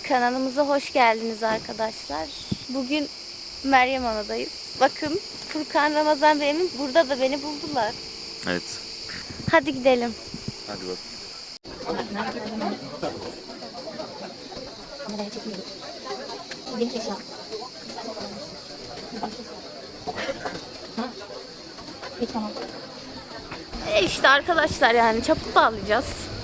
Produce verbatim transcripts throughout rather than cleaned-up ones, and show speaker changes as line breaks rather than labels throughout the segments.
Kanalımıza hoş geldiniz arkadaşlar. Bugün Meryem Ana'dayız. Bakın Furkan, Ramazan ve Emin burada da beni buldular.
Evet.
Hadi gidelim.
Hadi bak. E işte arkadaşlar, yani çaput bağlayacağız.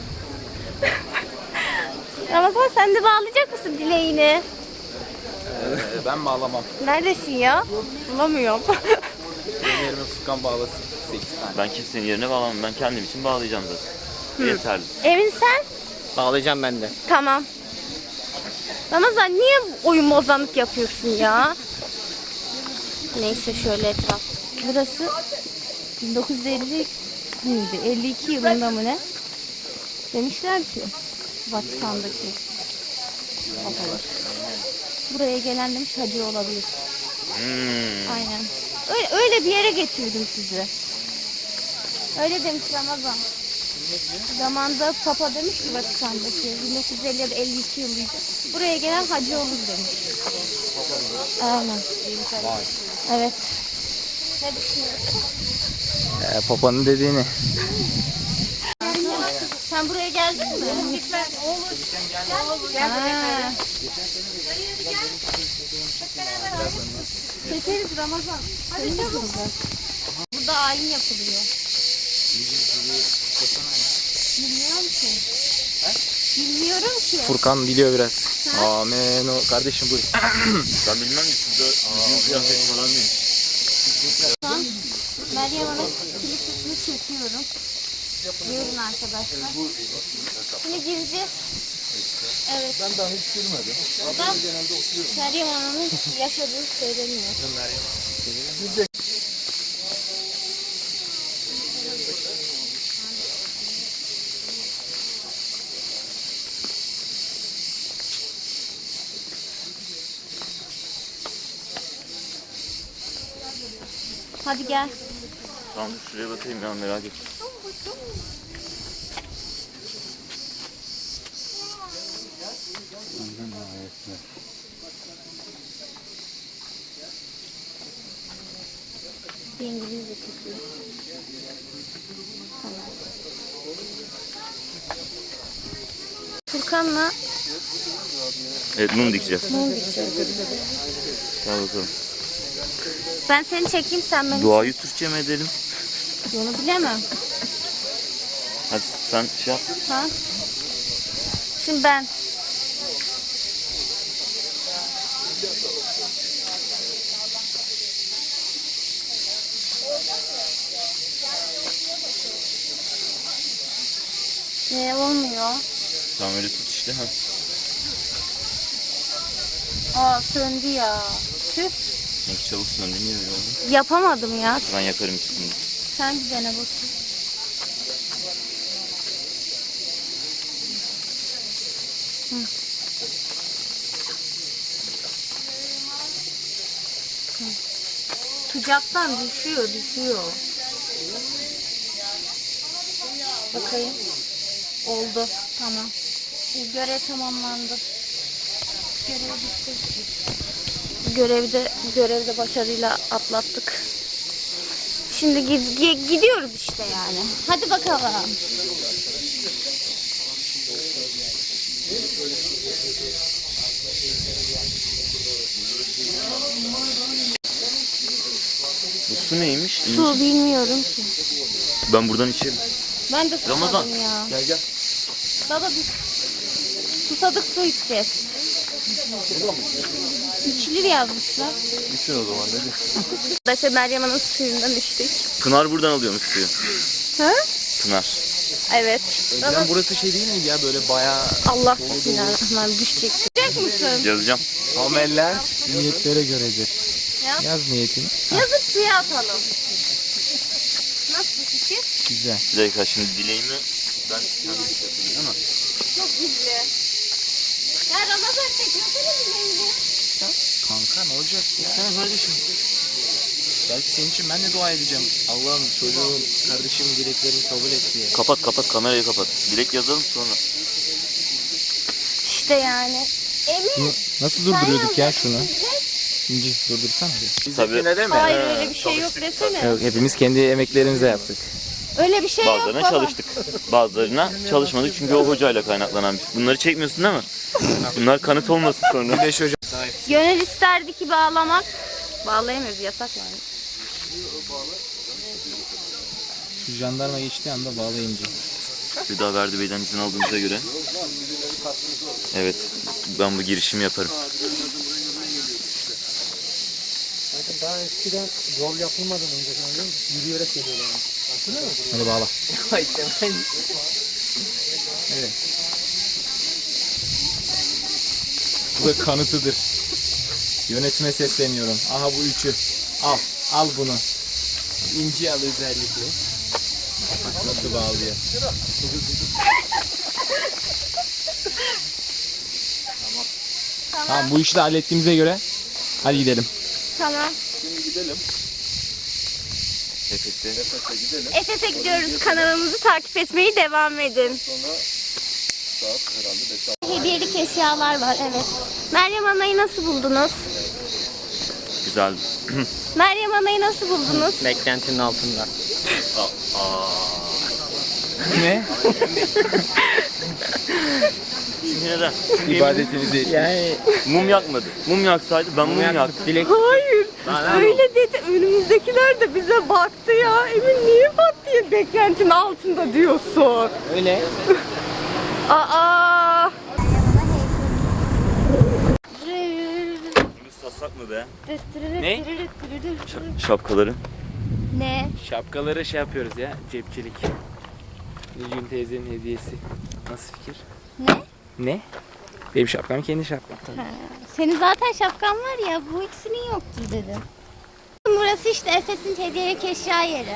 Ramazan, sen de bağlayacak mısın dileğini?
Ee, ben bağlamam.
Neredesin ya? Bulamıyorum.
Benim yerime Furkan bağlasın. sekiz tane.
Ben kimsenin yerine bağlamam. Ben kendim için bağlayacağım zaten. Yeterli.
Emin sen?
Bağlayacağım ben de.
Tamam. Ramazan, niye oyun bozanlık yapıyorsun ya? Neyse, şöyle etraf. Burası bin dokuz yüz elli miydi? elli iki yılında mı ne? Demişler ki Vatikan'daki papalar. Buraya gelen demiş hacı olabilir.
Hmm.
Aynen. Öyle, öyle bir yere getirdim sizi. Öyle demiş Ramazan. Zamanında Papa demiş ki Vatikan'daki bin dokuz yüz elli ya da elli iki yılıydı. Buraya gelen hacı olur demiş. Aynen. Evet. Ne düşünüyorsun?
Ee, Papa'nın dediğini.
Sen buraya geldin mi? Gitmez. Olur. Gel. Çekeriz Ramazan. Hadi çabuk. Burada ayin yapılıyor. Bilmiyorum ki. Bilmiyorum ki.
Furkan biliyor biraz. Amen. O kardeşim buyur.
Ben bilmem ki şurada bizim kıyafet falan değil.
Şu an Meryem Ana kilisesini çekiyorum. Buyurun arkadaşlar. Şimdi gireceğiz. Evet. Ben daha hiç girmedim. Burada Meryem Ana'nın yaşadığı söyleniyor. Hadi gel.
Tamam, şuraya bakayım ya, merak ettim.
Bir İngilizce çekiyor. Furkan'la
Evet, mum dikeceğiz.
mum dikeceğiz.
Gel bakalım.
Ben seni çekeyim, sen beni
Duayı Türkçe mi edelim?
çek. Onu bilemem.
Hadi sen şey yap.
Ha? Şimdi ben. Ne olmuyor?
Tamam, öyle tut işte. Ha.
Aa, söndü ya. Tüh.
Ne çabuk söndü, niye öyle oldu?
Yapamadım ya.
Ben yakarım ikisini de.
Sen bir dene bakayım. Hı. Hı. Sıcaktan düşüyor, düşüyor. Bakayım. Oldu. Tamam. Bu görev tamamlandı. Görev bitti. Görevde, görevde başarıyla atlattık. Şimdi giz- gidiyoruz işte yani. Hadi bakalım.
Bu su neymiş?
Su bilmiyorum ki.
Ben buradan içerim.
Ben de susadım
Ramazan.
ya.
Gel gel.
Baba biz susadık, su içeceğiz. İçilir yazmışlar.
İçin o zaman, ne diyorsun?
Arkadaşlar Meryem Ana'nın suyundan içtik.
Pınar buradan alıyormuş suyu.
Ha?
Pınar.
Evet.
Önceden burası şey değil miydi ya, böyle bayağı
Allah bismillahirrahmanirrahim, düşecek. Düşecek misin?
Yazacağım.
ameller niyetlere göredir.
Yaz.
Yaz niyetini.
Yazıp suya atalım. Nasıl fikir?
Güzel.
Bir dakika, şimdi dileğimi ben kendim yapayım ama.
Çok gizli. Ya Ramazan, çekiyorsunuz dileğini.
Kanka ne olacak? Gitsene kardeşim. Belki senin için ben de dua edeceğim. Allah'ım çocuğum, kardeşimin dileklerini kabul et diye.
Kapat kapat, kamerayı kapat. Dilek yazalım sonra.
İşte yani. Emin.
Nasıl durduruyorduk ya şunu? İnci durdursana bir.
Tabii.
Bizimkine mi?
Hayır öyle bir şey yok desene.
Yok, hepimiz kendi emeklerimizle yaptık.
Öyle bir şey yok
Bazılarına
baba.
çalıştık. Bazılarına çalışmadık çünkü o hocayla kaynaklanan bir şey. Bunları çekmiyorsun değil mi? Bunlar kanıt olmasın sonra.
Güneş hocam.
Gönül isterdi ki bağlamak. Bağlayamıyoruz, yasak yani.
Şu jandarma geçtiği anda bağlayınca.
Hüda Verdi Bey'den izin aldığımıza göre. Evet, ben bu girişimi yaparım.
Daha eskiden yol yapılmadan önce sanırım yürüyerek geliyorlar. Hatırlıyor musun?
Hadi bağla. Evet. Bu da kanıtıdır. Yönetime sesleniyorum. Aha bu üçü. Al. Al bunu. İnci al özellikle. Bak nasıl bağlıyor. Tamam. Tamam bu işi de hallettiğimize göre hadi gidelim.
Tamam.
Efes'e.
Efes'e gidiyoruz. Kanalımızı takip etmeyi devam edin. Hediyelik eşyalar var, evet. Meryem Ana'yı nasıl buldunuz?
Güzeldi.
Meryem Ana'yı nasıl buldunuz?
Beklentinin altında.
Ne?
Çünkü neden?
İbadetinizi
Yani
Mum yakmadı. Mum yaksaydı ben mum yaktım.
dilek
Hayır. Öyle dedi. Önümüzdekiler de bize baktı ya. Emin niye bak diye beklentinin altında diyorsun.
öyle.
Aa.
Satsak mı be?
Ne?
Şapkaları.
Ne?
Şapkaları şey yapıyoruz ya, cepçilik. Nilgün teyzenin hediyesi. Nasıl fikir?
Ne?
Ne? Benim şapkam kendi şapkam.
Ha, senin zaten şapkan var ya, bu ikisinin yoktu dedi. Burası işte Efes'in hediyelik eşya yeri.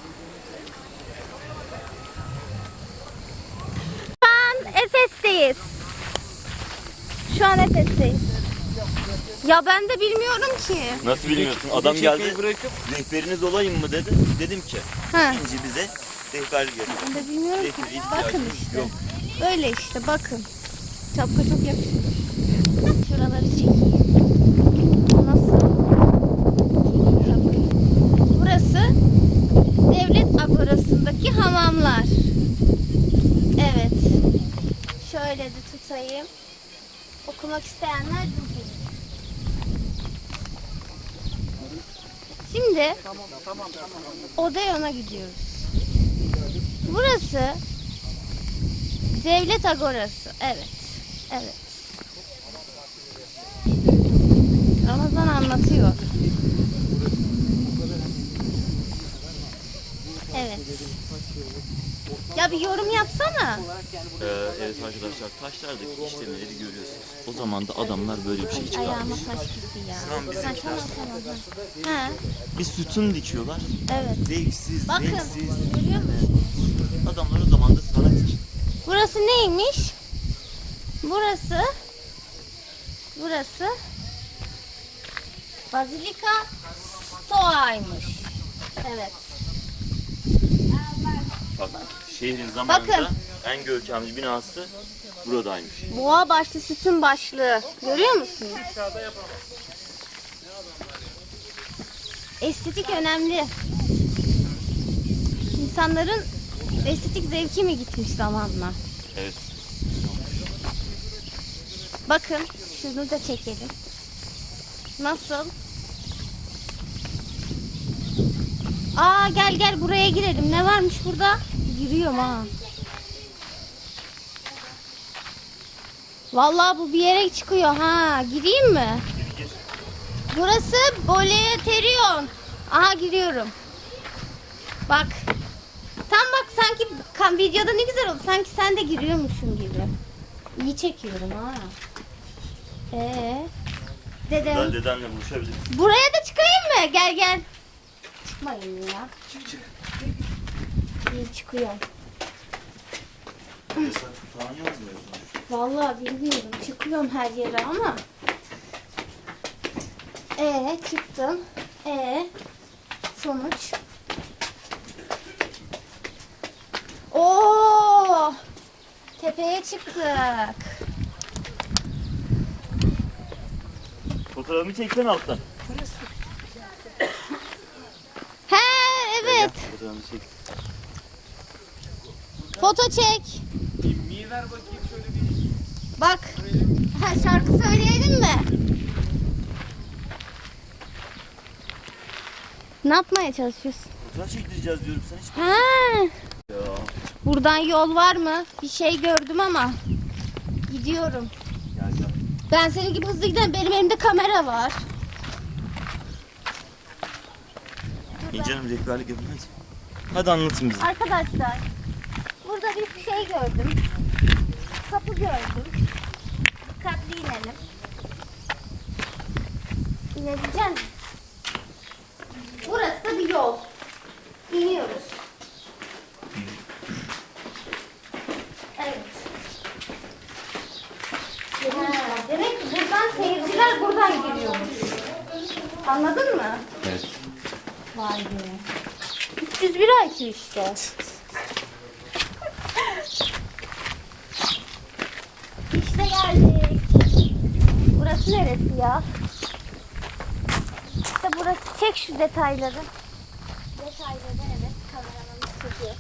Şu an Efes'teyiz. Şu an Efes'teyiz. Ya ben de bilmiyorum ki.
Nasıl bilmiyorsun? Adam geldi. Rehberiniz olayım mı dedi. Dedim ki
Ha.
İnci bize rehberlik yapıyor.
Ben de bilmiyorum ki.
Rehber ihtiyacımız
Bakın işte.
yok.
Böyle işte bakın. Şapka çok yakışıyor. Şuraları çekeyim. Nasıl? Burası devlet agorasındaki hamamlar. Evet. Şöyle de tutayım. Okumak isteyenler dursun. Şimdi Odeon'a gidiyoruz. Burası devlet agorası. Evet. Evet. Ramazan anlatıyor. Evet. Ya bir yorum yapsana.
Ee, evet arkadaşlar, taşlardaki işlemleri görüyorsunuz. O zaman da adamlar böyle bir şey
Ayağıma
çıkarmış.
taş gitti ya.
Şu an bizim
Ha, tamam tamam. Ha.
Bir sütun dikiyorlar.
Evet.
Zevksiz,
Bakın.
zevksiz.
Görüyor musun?
Adamlar o zaman da sanat için.
Burası neymiş? Burası Burası Bazilika Stoa'ymış. Evet.
Bak, şehrin zamanında
Bakın.
en görkemli binası buradaymış.
Boğa başlı sütun başlığı. Görüyor musunuz? Estetik önemli. İnsanların estetik zevki mi gitmiş zamanla?
Evet.
Bakın şunu da çekelim. Nasıl? Aa gel gel buraya girelim. Ne varmış burada? Giriyorum ha. Vallahi bu bir yere çıkıyor ha. Gireyim mi? Burası Boleterion. Aha giriyorum. Bak. Tam bak sanki kan videoda ne güzel oldu. Sanki sen de giriyormuşsun gibi. İyi çekiyorum ha. Ee, dedem.
Ben dedenle buluşabiliriz.
Buraya da çıkayım mı? Gel gel. Çıkmayın ya.
Çık çık.
İyi çıkıyorum.
Sen falan yazmıyorsun.
Vallahi bilmiyorum. Çıkıyorum her yere ama. Ee çıktım. Ee sonuç. Oo! Tepeye çıktık.
Fotoğrafımı çeksen alttan.
He evet.
Fotoğrafımı çek.
Foto çek.
Mi ver bakayım şöyle bir.
Bak. Ha, şarkı söyleyelim mi? Ne yapmaya çalışıyorsun?
Fotoğraf çektireceğiz diyorum sen hiç.
Ha.
Ya.
Buradan yol var mı? Bir şey gördüm ama. Gidiyorum.
Gel gel.
Ben senin gibi hızlı giden, benim elimde kamera var.
İyi canım rehberlik yapın hadi. Hadi anlatın bize.
Arkadaşlar, burada bir şey gördüm. Kapı gördüm. Dikkatli inelim. İnebilecek misin? Burası da bir yol. İniyoruz. Evet. Ha, demek ki buradan seyirciler buradan giriyormuş. Anladın mı?
Evet.
Vay be. üç yüz bir I Q işte. İşte geldik. Burası neresi ya? İşte burası. Çek şu detayları. Detayları evet. Kameramın çekiyor.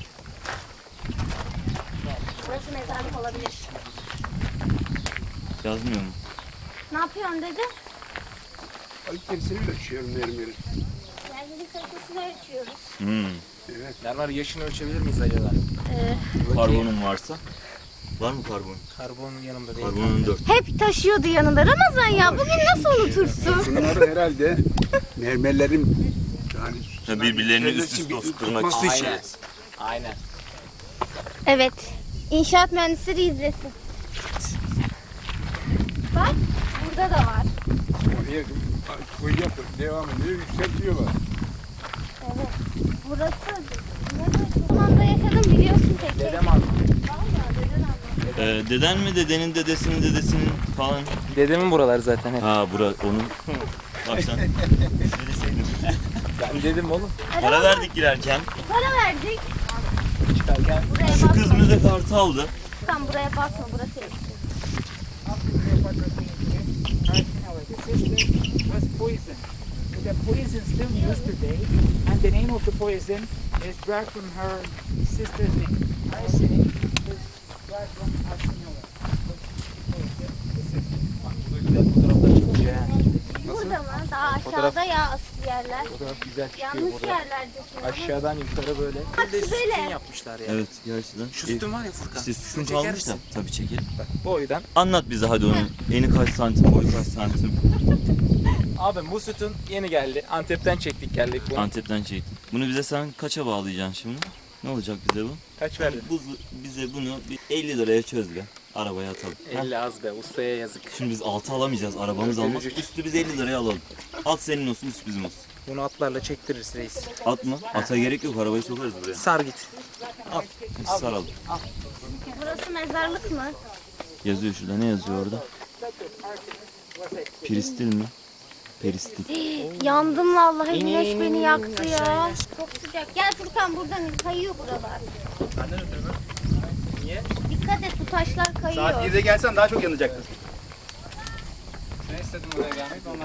Burası mezarlık olabilir.
Yazmıyor mu?
Ne yapıyorsun dedi?
Kalitesini ölçüyorum mermerin.
Yerlerin kalitesini ölçüyoruz.
Hmm.
Mermer yaşını ölçebilir miyiz acaba?
Ee,
Karbonun varsa. Var mı karbon?
Karbonun yanımda değil.
Karbonun dört.
hep taşıyordu yanında Ramazan ya. Bugün nasıl unutursun?
Bunlar herhalde mermerlerin yani
Ya birbirlerini üst
çevresi
üste
bir
oturtmak
tutması
için.
için.
Aynen. Aynen.
Evet. İnşaat mühendisleri izlesin. Bak burada da var.
Oraya koy yapıp devam ediyor, yükseltiyorlar.
Evet. Burası ne zamanda yaşadım biliyorsun peki.
Dedem aldı.
Vallahi deden anlattı.
Ee, deden mi dedenin dedesinin dedesinin falan.
Dedemin buraları zaten hep.
Ha bura onun. Baştan. Söyleseydin.
Ben dedim oğlum.
Para verdik girerken.
Para verdik.
Çıkarken
Buraya
Şu
basma.
kız bize kartı aldı.
Tam buraya basma, burası eski.
Was poison. The poison still used today, and the name of the poison is derived from her sister's name. Arsenic is derived from Arseniola.
güzel fotoğraflar çıkıyor ha.
Burada mı? Daha aşağıda ya asıl yerler.
Fotoğraf güzel çıkıyor
Yanlış
burada.
yerlerdesin.
Aşağıdan yukarı böyle.
Bak
Bir de sütun
böyle.
yapmışlar ya.
Evet gerçekten.
Şu sütun var ya Furkan.
İşte
Şunu
sütun kalmış da.
çekersin.
Tabii çekelim.
Bak boydan.
Anlat bize hadi onu. Eni kaç santim, boyu kaç santim.
Abi bu sütun yeni geldi. Antep'ten çektik geldik bunu.
Antep'ten çektim. Bunu bize sen kaça bağlayacaksın şimdi? Ne olacak bize bu?
Kaç verdin?
Bu, bize bunu bir elli liraya çöz be. Arabaya atalım.
elli az be. Ustaya yazık.
Şimdi biz altı alamayacağız. Arabamız almaz.
Üzücü.
Üstü biz elli liraya alalım. Alt senin olsun, üst bizim olsun.
Bunu atlarla çektiririz reis.
At mı? Ata gerek yok. Arabayı sokarız buraya.
Sar git.
Biz saralım.
Burası mezarlık mı?
Yazıyor şurada. Ne yazıyor orada? Piristil mi? Peristil.
Yandım vallahi,
İn,
güneş
in,
beni
in,
yaktı
in,
ya.
aşağı in.
Çok sıcak. Gel Furkan, buradan in, kayıyor buralar.
Benden ötürü mü? Niye?
Dikkat et, bu taşlar kayıyor.
Saat yedide gelsen daha çok yanacaktın.
Ben istedim oraya gelmek ondan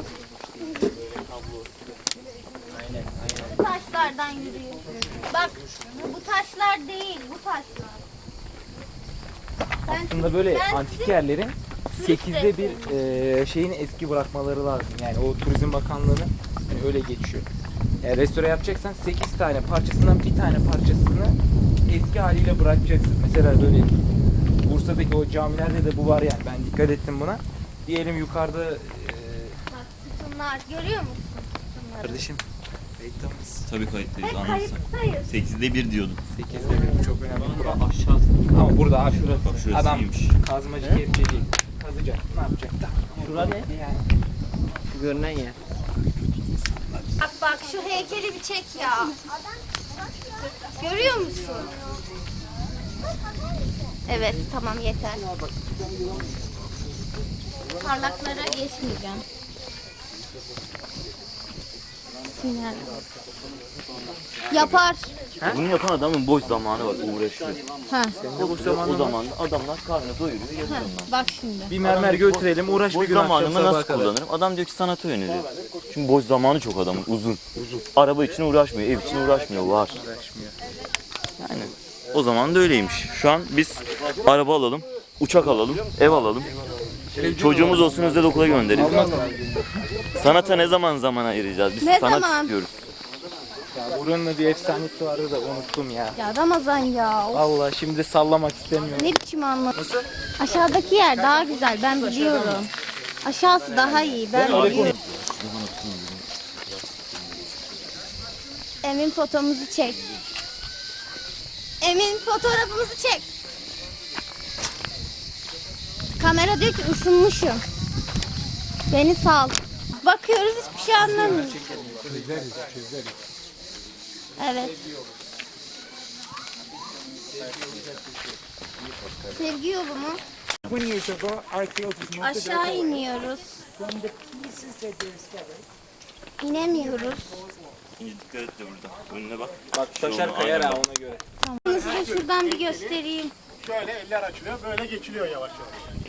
Aynen aynen.
Bu taşlardan yürüyor. Bak, bu taşlar değil, bu taşlar. Ben,
Aslında böyle
ben
antik
sizi-
yerlerin sekizde bir e, şeyini eski bırakmaları lazım. Yani o Turizm Bakanlığı'nın hani öyle geçiyor. Yani restore yapacaksan sekiz tane parçasından bir tane parçasını eski haliyle bırakacaksın. Mesela böyle Bursa'daki o camilerde de bu var yani. Ben dikkat ettim buna. Diyelim yukarıda e,
Bak sütunlar, görüyor musun sütunları?
kardeşim reklamız.
Tabii kayıttayız.
Hep
Anlatsan.
kayıttayız.
sekizde bir diyordun.
sekizde bir bu çok önemli. Bura
Aşağısı.
Ama burada ha şurası.
Bak şurası
Adam
iyiymiş.
kazmacı kepçeci kazacak. Ne yapacak? Şura ne? Yani.
Şu görünen yer.
Bak bak, şu heykeli bir çek ya. Görüyor musun? Evet, tamam yeter. Parlaklara geçmeyeceğim. Sinir. Yapar.
Bunu yapan adamın boş zamanı var, uğraşıyor.
Ha.
O, o zaman adamlar karnı doyuruyor,
ha.
yazıyorlar.
Bak şimdi.
Bir mermer götürelim, uğraş bir
Boş
gün akşam
zamanımı
sabaha
nasıl
kadar.
kullanırım? Adam diyor ki sanata yöneliyor. Çünkü boş zamanı çok adamın, uzun. Uzun. Araba için uğraşmıyor, ev için uğraşmıyor, var.
Uğraşmıyor.
Yani o zaman da öyleymiş. Şu an biz araba alalım, uçak alalım, ev alalım. Çocuğumuz olsun, özel okula gönderelim. Sanata ne zaman zaman ayıracağız? Biz
Ne
sanat
zaman?
istiyoruz.
Ya buranın da bir efsanesi vardı da unuttum ya.
Ya Ramazan ya. Of,
Allah şimdi sallamak istemiyorum.
ne biçim anlat. Aşağıdaki yer daha güzel. Ben biliyorum. Aşağısı daha iyi. Ben biliyorum. Emin fotomuzu çek. Emin fotoğrafımızı çek. Kamera diyor ki ısınmışım. Beni sal. Bakıyoruz hiçbir şey anlamıyoruz. Evet. Sevgi yolu mu?
twenty years ago, archaeologists noted
Aşağı
that
iniyoruz.
from the pieces that they discovered,
İnemiyoruz.
Dikkat et de burada. Önüne bak.
Bak taşar kayar ha ona göre.
Tamam. Size şuradan bir göstereyim.
Şöyle eller açılıyor, böyle geçiliyor yavaş yavaş.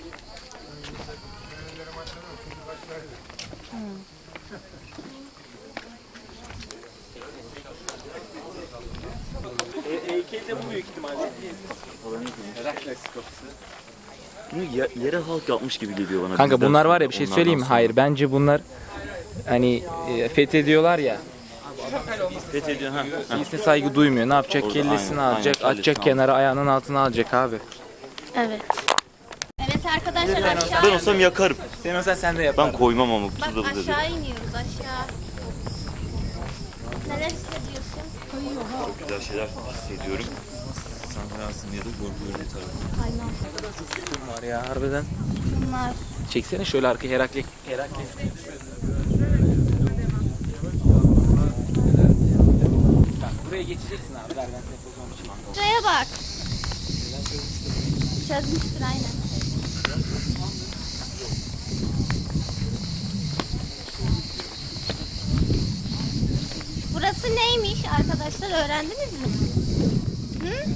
Heykelde bu büyük ihtimalle.
Bunu ye- yere halk yapmış gibi geliyor bana.
Kanka
Bizden
bunlar
sonra,
var ya bir şey
onlardan
söyleyeyim mi?
sonra.
Hayır bence bunlar hani e, fethediyorlar ya.
Fethediyor ha. ha.
Birisine saygı duymuyor. Ne yapacak?
Orada
Kellesini
aynen,
alacak,
aynen,
atacak
kellesini
kenara, ayağının altına alacak abi.
Evet. Evet arkadaşlar aşağı.
Ben olsam yakarım.
Sen olsan sen de
Ben
yapardın.
koymam ama bu
Bak
tuzla dedi.
aşağı iniyoruz aşağı. Neler hissediyorsun?
Çok güzel şeyler hissediyorum. Sen hayatın ya da korkuyorum bir tarafı.
Aynen.
Var ya harbiden.
Bunlar.
Çeksene şöyle arkaya Herakles. Herakles. Bak buraya geçeceksin abi. Ver ben seni fotoğrafını çekeyim.
Şuraya bak. Çözmüştür aynen. Burası neymiş arkadaşlar öğrendiniz mi? Hı?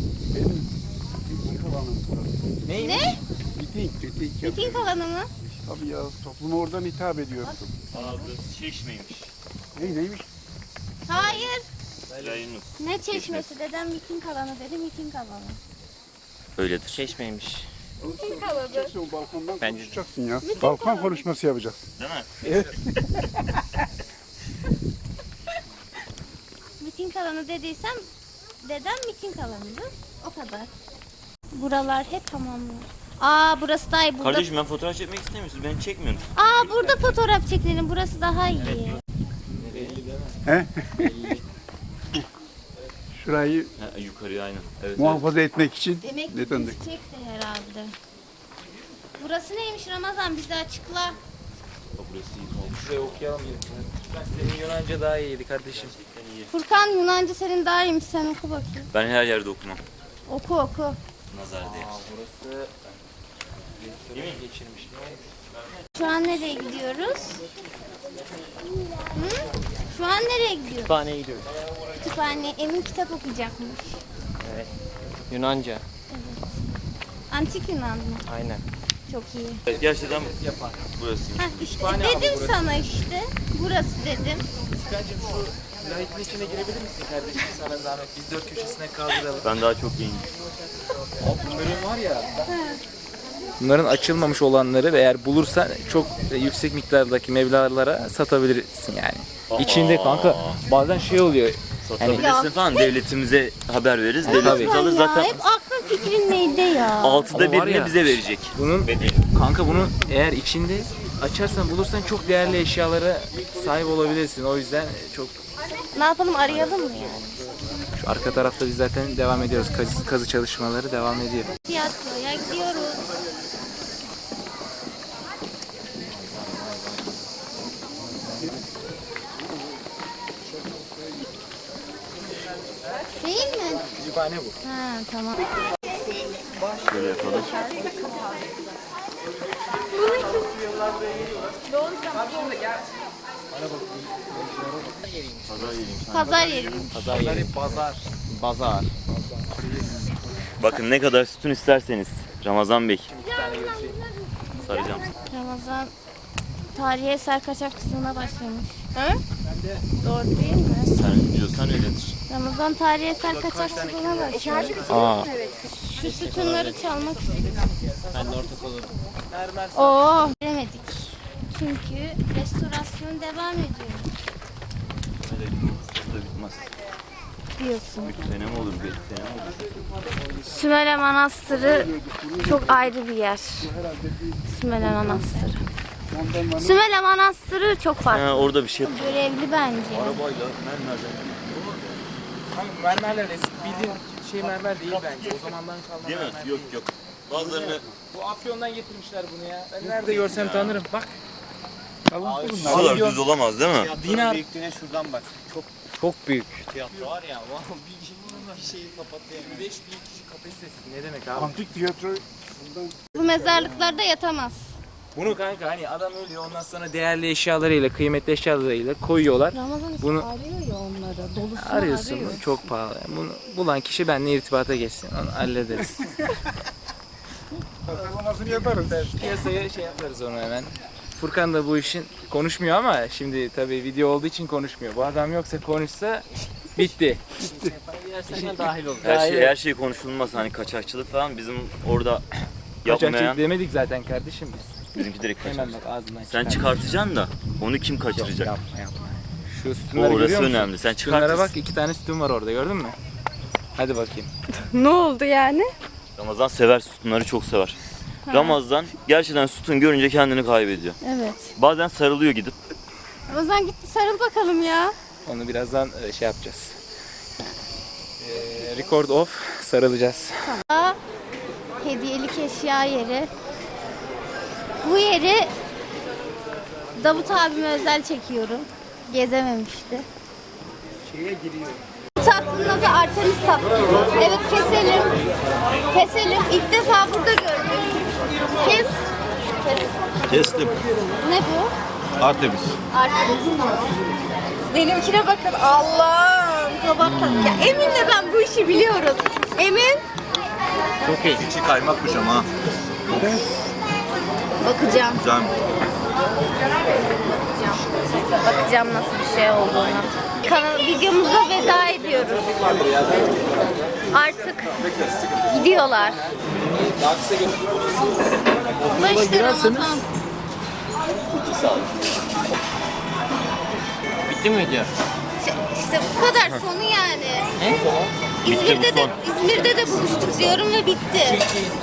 Neymiş?
Ne?
Miting, miting yapıyor.
Miting alanı mı?
Tabii ya, topluma oradan hitap ediyorsun.
Aa burası çeşmeymiş.
Ne, neymiş?
Hayır.
Yayınlık.
Ne çeşmesi? Dedem miting alanı dedi, miting alanı.
Öyledir.
Çeşmeymiş.
Miting alanı.
Sen balkondan
Bence de.
konuşacaksın ya. Balkon konuşması yapacaksın.
Değil mi?
Miting alanı dediysem dedem miting alanıdır. O kadar. Buralar hep hamamlar. Aa burası daha iyi. Burada...
Kardeşim ben fotoğraf çekmek istemiyorsun. Beni çekmiyorsun.
Aa burada fotoğraf çekelim. Burası daha iyi.
He? Şurayı
Ha, yukarıya aynen. Evet, evet.
muhafaza etmek için
Demek
ne
ki
döndük?
çekti herhalde. Burası neymiş Ramazan? Bize açıkla.
Bak burası iyi olmuş.
Şuraya okuyalım. Ben senin Yunanca daha iyiydi kardeşim.
Furkan Yunanca senin daha iyiymiş. Sen oku bakayım.
Ben her yerde okumam.
Oku oku.
Nazar değil.
Aa burası restoran geçirmiş. Ne olmuş?
Şu an nereye gidiyoruz? Hı? Şu an nereye gidiyoruz?
Kütüphaneye gidiyoruz.
Kütüphane. Emin kitap okuyacakmış.
Yunanca.
Antik Yunan mı?
Aynen.
Çok iyi.
Evet, gerçekten burası.
Heh, işte
Kütüphane abi
dedim
burası.
sana işte. Burası dedim.
Furkancığım şu layitin içine girebilir misin kardeşim sana zahmet? Biz dört köşesine kaldıralım.
Ben daha çok iyiyim.
Bunların var ya. Bunların açılmamış olanları ve eğer bulursan çok yüksek miktardaki meblağlara satabilirsin yani. İçinde kanka bazen şey oluyor.
Satabilirsin
Ya,
falan. Devletimize haber veririz.
tabii.
Devletimiz alır
Ya,
zaten.
hep aklın fikrin neydi ya?
Altıda
Ama var
birini
ya,
bize verecek.
Bunun
Bedeli.
kanka bunu eğer içinde açarsan bulursan çok değerli eşyalara sahip olabilirsin. O yüzden çok
Ne yapalım arayalım mı yani?
şu arka tarafta biz zaten devam ediyoruz. Kazı, kazı çalışmaları devam ediyor.
Tiyatroya gidiyoruz. Değil mi?
Kütüphane bu.
Ha tamam.
Şöyle yapalım.
Pazar yeri.
Pazar, pazar. Pazar.
Bakın ne kadar sütun isterseniz. Ramazan Bey. Saracağım.
Ramazan tarihi eser kaçakçılığına başlamış. He? Doğru değil mi?
Sen diyorsan öyledir.
Ramazan tarihi eser kaçakçılığına başlamış.
Aa.
Şu sütunları çalmak istedik.
Ben de ortak olurum.
Oo. Bilemedik. Çünkü restorasyon devam ediyor
Öyle da bitmez.
diyorsun.
üç sene mi olur, beş sene mi olur?
Sümele Manastırı çok ayrı bir yer. Sümele Manastırı. Sümele Manastırı çok farklı.
Ha, orada bir şey.
Görevli bence.
Arabayla mermerden.
Kanka mermerler eski bildiğin şey mermer değil bence. O zamandan kalma
Değil mi?
mermer
Yok
değil.
yok. Bazılarını
Bu Afyon'dan getirmişler bunu ya. Ben nerede görsem tanırım. Bak.
bu kadar düz olamaz değil mi?
Dinar.
Büyüklüğüne şuradan bak. Çok
Çok büyük.
tiyatro var ya. Wow, bir, bir şeyi kapatıyor.
beş bin kişi kapasitesi. Ne demek abi?
Antik tiyatro
Bu mezarlıklarda yatamaz.
Bunu kanka hani adam ölüyor ondan sonra değerli eşyalarıyla, kıymetli eşyalarıyla koyuyorlar.
Ramazan işte
Bunu-
arıyor ya onları. Dolusunu
Arıyorsun
arıyor.
bunu, çok pahalı. Bunu bulan kişi benimle irtibata geçsin. Onu hallederiz.
tasarlamasını yaparız.
Piyasaya şey yaparız onu hemen. Furkan da bu işin konuşmuyor ama şimdi tabii video olduğu için konuşmuyor. Bu adam yoksa konuşsa bitti.
Gerçekten dahil olur.
Her şey
evet.
her şey konuşulmaz hani kaçakçılık falan bizim orada
Kaçakçılık
yapmayan
demedik zaten kardeşim biz.
bizimki direkt kaçak.
Hemen bak ağzından
Sen
çıkar.
çıkartacaksın da onu kim kaçıracak?
Yapma yapma. Şu
O
sütunları
orası
görüyor musun?
önemli. Sen
Sütunlara
çıkartırsın.
bak iki tane sütun var orada gördün mü? Hadi bakayım.
Ne oldu yani?
Ramazan sever sütunları çok sever. Ramazan gerçekten sütun görünce kendini kaybediyor.
Evet.
Bazen sarılıyor gidip.
Ramazan gitti sarıl bakalım ya.
Onu birazdan e, şey yapacağız. Ee, record off sarılacağız.
Aa, hediyelik eşya yeri. Bu yeri Davut abime özel çekiyorum. Gezememişti.
Şeye giriyor.
Tatlının adı Artemis tatlısı. Evet keselim. Keselim. İlk defa burada gördüm. Kes. Kes.
Kestim.
Ne bu?
Artemis.
Artemis. Benimkine bakın. Allah'ım. Kabak tadı. Ya Emin'le ben bu işi biliyoruz. Emin.
Çok iyi.
İçi kaymakmış ama.
Bakacağım.
Güzel.
Bakacağım nasıl bir şey olduğuna. Kanal videomuza veda ediyoruz. Artık gidiyorlar. Bu da işte Ramazan.
Bitti mi video?
İşte, işte bu kadar sonu yani.
Bitti
İzmir'de
bu
de
son.
İzmir'de de buluştuk diyorum ve bitti.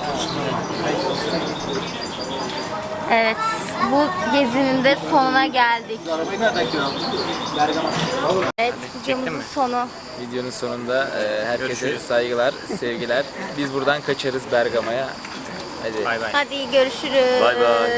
Evet, bu gezinin de sonuna geldik.
Arabayı nereden kiraladın? Bergama.
Evet, videomuzun sonu.
Videonun sonunda e, herkese saygılar, sevgiler. Biz buradan kaçarız Bergama'ya. Hadi.
Hadi görüşürüz.
Bay bay.